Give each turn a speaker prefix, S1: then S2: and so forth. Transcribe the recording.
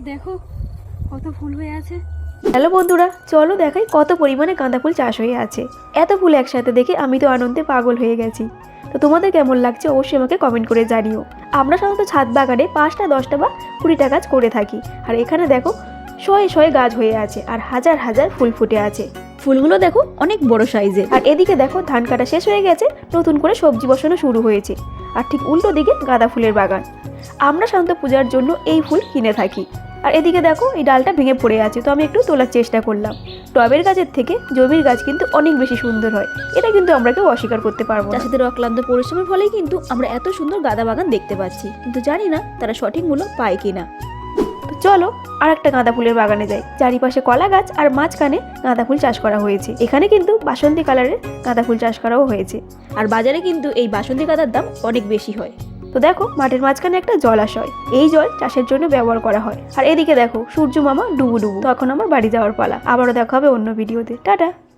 S1: দেখো কত ফুল হয়ে আছে।
S2: হ্যালো বন্ধুরা, চলো দেখাই কত পরিমাণে গাঁদা ফুল চাষ হয়ে আছে। এত ফুল একসাথে দেখে আমি তো আনন্দে পাগল হয়ে গেছি। তো তোমাদের কেমন লাগছে অবশ্যই আমাকে কমেন্ট করে জানিও। আমরা সাধারণত ছাদ বাগানে 5টা 10টা বা 20টা গাছ করে থাকি, আর এখানে দেখো শয়ে শয়ে গাছ হয়ে আছে আর হাজার হাজার ফুল ফুটে আছে। ফুলগুলো দেখো অনেক বড় সাইজের। আর এদিকে দেখো ধান কাটা শেষ হয়ে গেছে, নতুন করে সবজি বসানো শুরু হয়েছে। আর ঠিক উল্টো দিকে গাঁদা ফুলের বাগান। আমরা সাধারণত পূজার জন্য এই ফুল কিনে থাকি। আর এদিকে দেখো এই ডালটা ভেঙে পড়ে আছে, তো আমি একটু তোলার চেষ্টা করলাম। টবের গাছের থেকে জমির গাছ কিন্তু অনেক বেশি সুন্দর হয়, এটা কিন্তু আমরা কেউ অস্বীকার করতে পারবো না। চাষিদের অক্লান্ত পরিশ্রমের ফলেই কিন্তু আমরা এত সুন্দর গাঁদা বাগান দেখতে পাচ্ছি, কিন্তু জানি না তারা সঠিক মূল্য পায় কিনা। তো চলো আর একটা গাঁদা ফুলের বাগানে যাই। চারিপাশে কলা গাছ আর মাঝখানে গাঁদা ফুল চাষ করা হয়েছে। এখানে কিন্তু বাসন্তী কালারের গাঁদা ফুল চাষ করাও হয়েছে, আর বাজারে কিন্তু এই বাসন্তী গাঁদার দাম অনেক বেশি হয়। তো দেখো মাঠের মাঝখানে একটা জলাশয়, এই জল চাষের জন্য ব্যবহার করা হয়। আর এদিকে দেখো সূর্য মামা ডুবু ডুবু। তখন আমার বাড়ি যাওয়ার পালা। আবারও দেখা হবে অন্য ভিডিওতে। টাটা।